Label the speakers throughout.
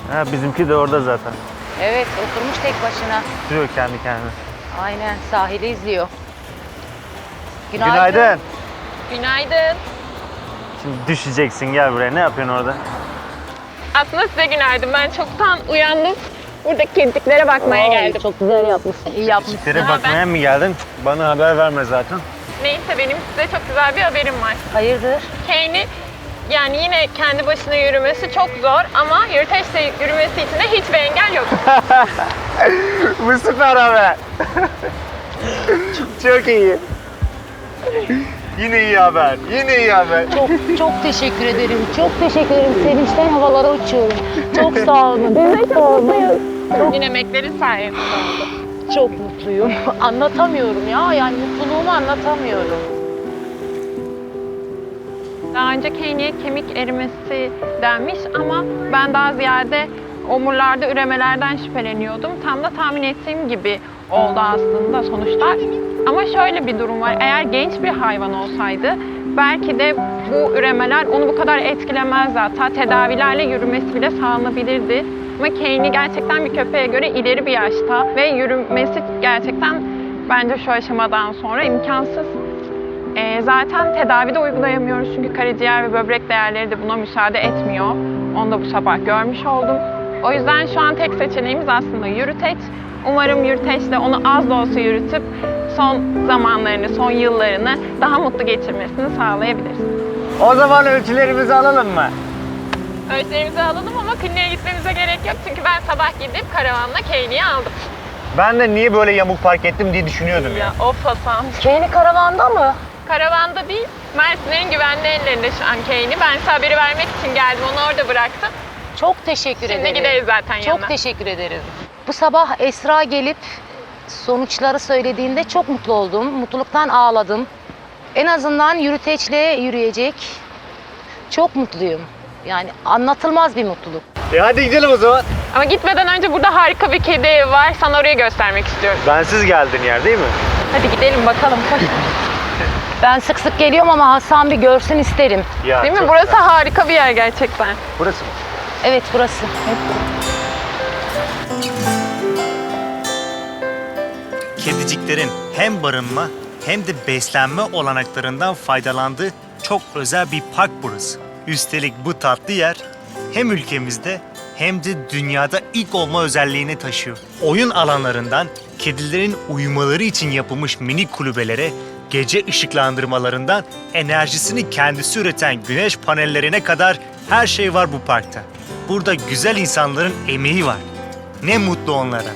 Speaker 1: Ha, bizimki de orada zaten.
Speaker 2: Evet, oturmuş tek başına.
Speaker 1: Duruyor kendi kendine.
Speaker 2: Aynen, sahili izliyor.
Speaker 1: Günaydın.
Speaker 3: Günaydın.
Speaker 1: Şimdi düşeceksin, gel buraya. Ne yapıyorsun orada?
Speaker 3: Aslında size günaydın. Ben çoktan uyandım. Buradaki kediciklere bakmaya geldim.
Speaker 2: Çok güzel yapmışsın, iyi yapmışsın.
Speaker 1: Tere
Speaker 3: Ama
Speaker 1: bakmaya mı geldin? Bana haber verme zaten.
Speaker 3: Neyse benim size çok güzel bir haberim var.
Speaker 2: Hayırdır?
Speaker 3: Kane'i yani yine kendi başına yürümesi çok zor ama yürüteçle yürümesi için de hiçbir engel yok.
Speaker 1: Bu süper haber. Çok iyi. Yine iyi haber. Yine iyi haber.
Speaker 2: Çok teşekkür ederim. Çok teşekkür ederim. Sevinçten havalara uçuyorum. Çok sağ olun. Biz de çok mutluyuz.
Speaker 3: Yine emeklerin sayesinde oldu.
Speaker 2: Çok mutluyum. Anlatamıyorum ya. Yani mutluluğumu anlatamıyorum.
Speaker 3: Daha önce Kane'ye kemik erimesi denmiş ama ben daha ziyade omurlarda üremelerden şüpheleniyordum. Tam da tahmin ettiğim gibi oldu aslında sonuçlar. Ama şöyle bir durum var. Eğer genç bir hayvan olsaydı belki de bu üremeler onu bu kadar etkilemezdi. Hatta tedavilerle yürümesi bile sağlanabilirdi. Ama Kane'i gerçekten bir köpeğe göre ileri bir yaşta ve yürümesi gerçekten bence şu aşamadan sonra imkansız. Zaten tedavi de uygulayamıyoruz çünkü karaciğer ve böbrek değerleri de buna müsaade etmiyor. Onu da bu sabah görmüş oldum. O yüzden şu an tek seçeneğimiz aslında yürüteç. Umarım yürüteçle onu az da olsa yürütüp son zamanlarını, son yıllarını daha mutlu geçirmesini sağlayabiliriz.
Speaker 1: O zaman ölçülerimizi alalım mı?
Speaker 3: Ölçülerimizi alalım ama kliniğe gitmemize gerek yok çünkü ben sabah gidip karavanla Kane'i aldım.
Speaker 1: Ben de niye böyle yamuk park ettim diye düşünüyordum ya.
Speaker 3: Ya of Hasan.
Speaker 2: Kane'i karavanda mı?
Speaker 3: Karavanda değil, Mersinlerin güvenli ellerinde şu an Kane'i. Ben size haberi vermek için geldim, onu orada bıraktım.
Speaker 2: Çok teşekkür ederim.
Speaker 3: Şimdi gideriz zaten yanına.
Speaker 2: Çok teşekkür ederim. Bu sabah Esra gelip sonuçları söylediğinde çok mutlu oldum. Mutluluktan ağladım. En azından yürüteçle yürüyecek. Çok mutluyum. Yani anlatılmaz bir mutluluk.
Speaker 1: Hadi gidelim o zaman.
Speaker 3: Ama gitmeden önce burada harika bir kedi evi var. Sana orayı göstermek istiyorum.
Speaker 1: Bensiz geldin yer değil mi?
Speaker 3: Hadi gidelim bakalım. Koş.
Speaker 2: Ben sık sık geliyorum ama Hasan bir görsün isterim.
Speaker 1: Ya,
Speaker 3: Değil mi?
Speaker 1: çok
Speaker 3: Burası
Speaker 1: güzel.
Speaker 3: harika bir yer gerçekten.
Speaker 1: Burası mı?
Speaker 2: Evet burası.
Speaker 4: Kediciklerin hem barınma hem de beslenme olanaklarından faydalandığı çok özel bir park burası. Üstelik bu tatlı yer hem ülkemizde hem de dünyada ilk olma özelliğini taşıyor. Oyun alanlarından kedilerin uyumaları için yapılmış minik kulübelere, gece ışıklandırmalarından enerjisini kendisi üreten güneş panellerine kadar her şey var bu parkta. Burada güzel insanların emeği var. Ne mutlu onlara.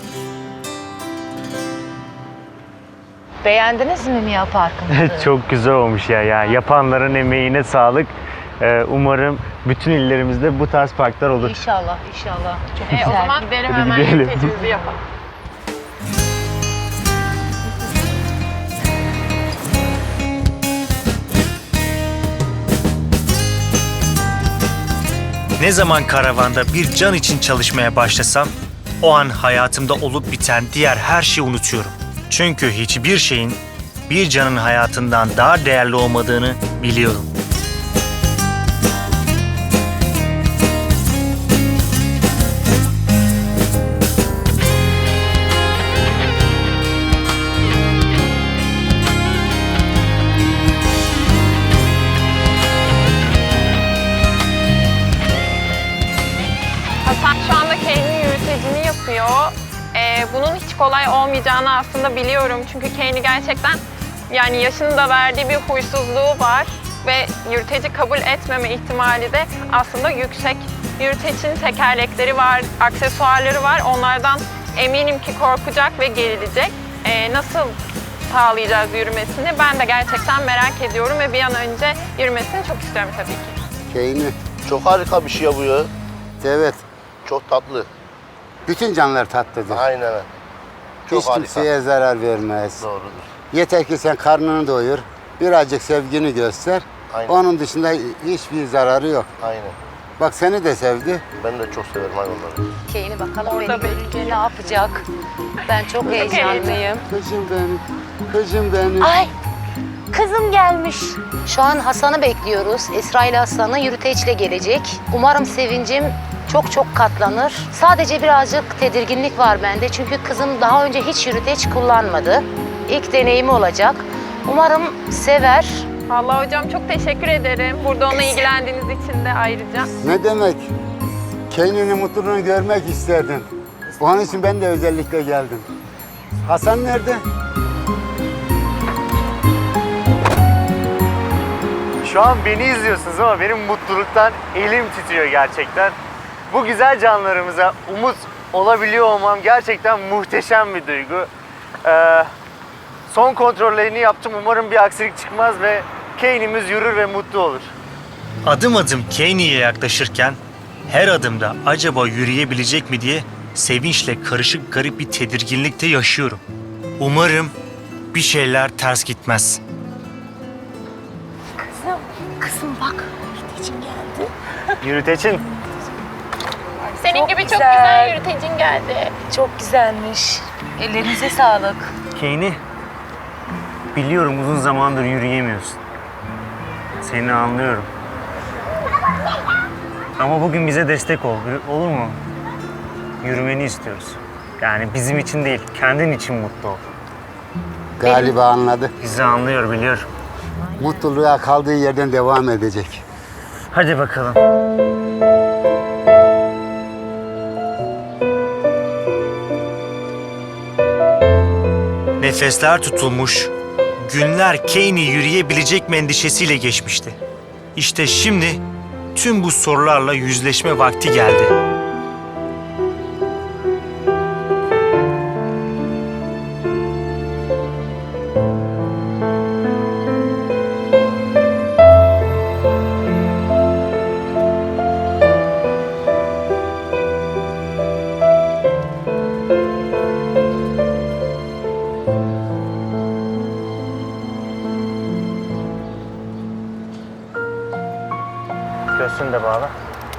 Speaker 2: Beğendiniz mi Mia Park'ımızı?
Speaker 1: Çok güzel olmuş ya. Yapanların emeğine sağlık. Umarım bütün illerimizde bu tarz parklar olur.
Speaker 2: İnşallah, inşallah. Çok
Speaker 3: O
Speaker 2: güzel.
Speaker 3: zaman gidelim
Speaker 1: Hadi
Speaker 3: hemen
Speaker 1: gidelim.
Speaker 3: yürütecimizi yapalım.
Speaker 4: Ne zaman karavanda bir can için çalışmaya başlasam, o an hayatımda olup biten diğer her şeyi unutuyorum. Çünkü hiçbir şeyin bir canın hayatından daha değerli olmadığını biliyorum.
Speaker 3: Hasan şu anda Kane'in yürütecini yapıyor. Bunun hiç kolay olmayacağını aslında biliyorum. Çünkü Kane'i gerçekten yani yaşının da verdiği bir huysuzluğu var. Ve yürüteci kabul etmeme ihtimali de aslında yüksek. Yürütecinin tekerlekleri var, aksesuarları var. Onlardan eminim ki korkacak ve gerilecek. Nasıl sağlayacağız yürümesini ben de gerçekten merak ediyorum ve bir an önce yürümesini çok istiyorum tabii ki.
Speaker 5: Kane'i.
Speaker 6: Çok harika bir şey bu ya.
Speaker 5: Evet.
Speaker 6: Çok tatlı.
Speaker 5: Bütün canlılar tatlıdır.
Speaker 6: Aynen. Çok
Speaker 5: Hiç
Speaker 6: harika.
Speaker 5: kimseye zarar vermez.
Speaker 6: Doğrudur.
Speaker 5: Yeter ki sen karnını doyur, birazcık sevgini göster.
Speaker 6: Aynen.
Speaker 5: Onun dışında hiçbir zararı yok.
Speaker 6: Aynen.
Speaker 5: Bak seni de sevdi.
Speaker 6: Ben de çok severim hayvanları.
Speaker 2: Kane'i bakalım
Speaker 3: Orada
Speaker 2: beni görünce ne yapacak? Ben çok heyecanlıyım.
Speaker 5: Kızım benim, kızım benim.
Speaker 2: Ay, kızım gelmiş. Şu an Hasan'ı bekliyoruz. Esra ile Hasan'ı yürüteçle gelecek. Umarım sevincim çok çok katlanır. Sadece birazcık tedirginlik var bende. Çünkü kızım daha önce hiç yürüteç kullanmadı. İlk deneyimi olacak. Umarım sever.
Speaker 3: Vallahi hocam çok teşekkür ederim. Burada onunla ilgilendiğiniz için de ayrıca.
Speaker 5: Ne demek? Kendinin mutluluğunu görmek isterdim. Onun için ben de özellikle geldim. Hasan nerede?
Speaker 1: Şu an beni izliyorsunuz ama benim mutluluktan elim titriyor gerçekten. Bu güzel canlarımıza umut olabiliyor olmam gerçekten muhteşem bir duygu. Son kontrollerini yaptım. Umarım bir aksilik çıkmaz ve Kane'imiz yürür ve mutlu olur.
Speaker 4: Adım adım Kaney'e yaklaşırken her adımda acaba yürüyebilecek mi diye sevinçle karışık garip bir tedirginlikte yaşıyorum. Umarım bir şeyler ters gitmez.
Speaker 2: Kızım bak, yürütecin geldi.
Speaker 1: Yürüteçin.
Speaker 3: Senin gibi çok güzel yürütecin geldi.
Speaker 2: Çok güzelmiş. Ellerinize sağlık.
Speaker 1: Kane'i biliyorum uzun zamandır yürüyemiyorsun. Seni anlıyorum. Ama bugün bize destek ol. Olur mu? Yürümeni istiyoruz. Yani bizim için değil, kendin için mutlu ol.
Speaker 5: Galiba anladı.
Speaker 1: Bizi anlıyor, biliyorum.
Speaker 5: Mutluluğa kaldığı yerden devam edecek.
Speaker 1: Hadi bakalım.
Speaker 4: Nefesler tutulmuş, günler Kaney yürüyebilecek mi endişesiyle geçmişti. İşte şimdi tüm bu sorularla yüzleşme vakti geldi.
Speaker 1: Göğsünü de bağla.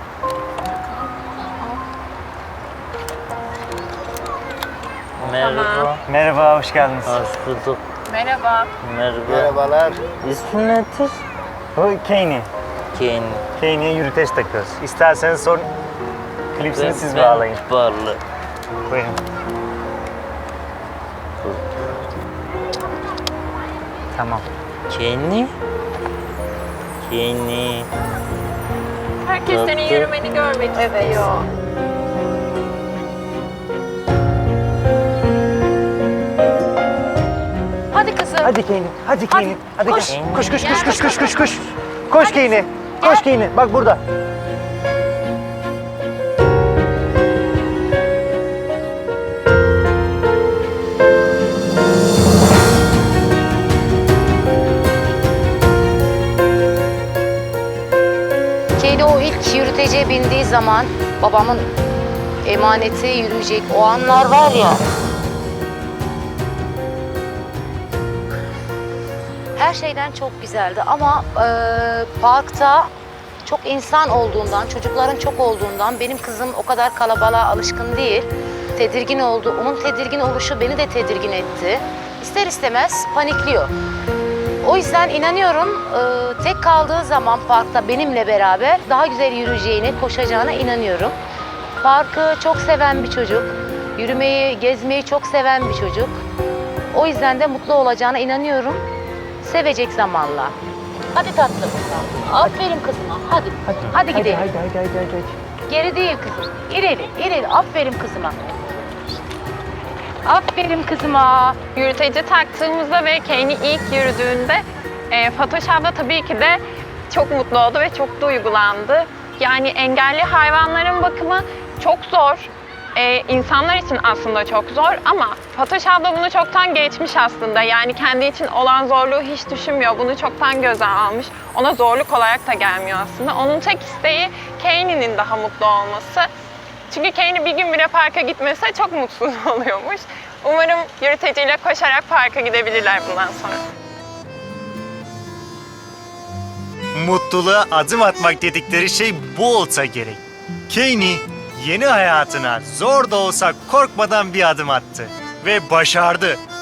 Speaker 7: Merhaba.
Speaker 1: Merhaba, hoş geldiniz.
Speaker 7: Hoş bulduk.
Speaker 3: Merhaba.
Speaker 7: Merhaba.
Speaker 5: Merhabalar.
Speaker 7: İsmin nedir?
Speaker 1: Bu Kaney.
Speaker 7: Ken.
Speaker 1: Kaney'e yürüteç takıyoruz. İsterseniz son klipsini siz
Speaker 7: Ben
Speaker 1: bağlayın.
Speaker 7: Bağlı.
Speaker 1: Buyurun. Tamam.
Speaker 7: Kenny. Kenny.
Speaker 3: Herkes senin
Speaker 7: Tatlı.
Speaker 3: yürümeni görmek istiyor.
Speaker 2: Hadi kızım.
Speaker 1: Hadi Kaney, hadi Kaney. Hadi
Speaker 2: koş.
Speaker 1: gel. Koş, koş, koş, koş, koş, koş, koş. Koş Kaney. Koş Kaney. Bak burada.
Speaker 2: Kedi o ilk yürütece bindiği zaman babamın emaneti yürüyecek o anlar var ya. Her şeyden çok güzeldi ama parkta çok insan olduğundan, çocukların çok olduğundan benim kızım o kadar kalabalığa alışkın değil. Tedirgin oldu. Onun tedirgin oluşu beni de tedirgin etti. İster istemez panikliyor. O yüzden inanıyorum tek kaldığı zaman parkta benimle beraber daha güzel yürüyeceğine, koşacağına inanıyorum. Parkı çok seven bir çocuk. Yürümeyi, gezmeyi çok seven bir çocuk. O yüzden de mutlu olacağına inanıyorum. Sevecek zamanla. Hadi tatlım. Aferin kızıma. Hadi gidelim.
Speaker 1: Hadi.
Speaker 2: Geri değil kızım. İleri. Aferin kızıma. Aferin kızıma.
Speaker 3: Yürüteci taktığımızda ve Kaney ilk yürüdüğünde Fatoş abla tabii ki de çok mutlu oldu ve çok duygulandı. Yani engelli hayvanların bakımı çok zor. İnsanlar için aslında çok zor ama Fatoş abla bunu çoktan geçmiş aslında. Yani kendi için olan zorluğu hiç düşünmüyor. Bunu çoktan göze almış. Ona zorluk olarak da gelmiyor aslında. Onun tek isteği Kaney'nin daha mutlu olması. Çünkü Kaney bir gün bile parka gitmese çok mutsuz oluyormuş. Umarım yürüteciyle koşarak parka gidebilirler bundan sonra.
Speaker 4: Mutluluğa adım atmak dedikleri şey bu olsa gerek. Kaney yeni hayatına zor da olsa korkmadan bir adım attı ve başardı.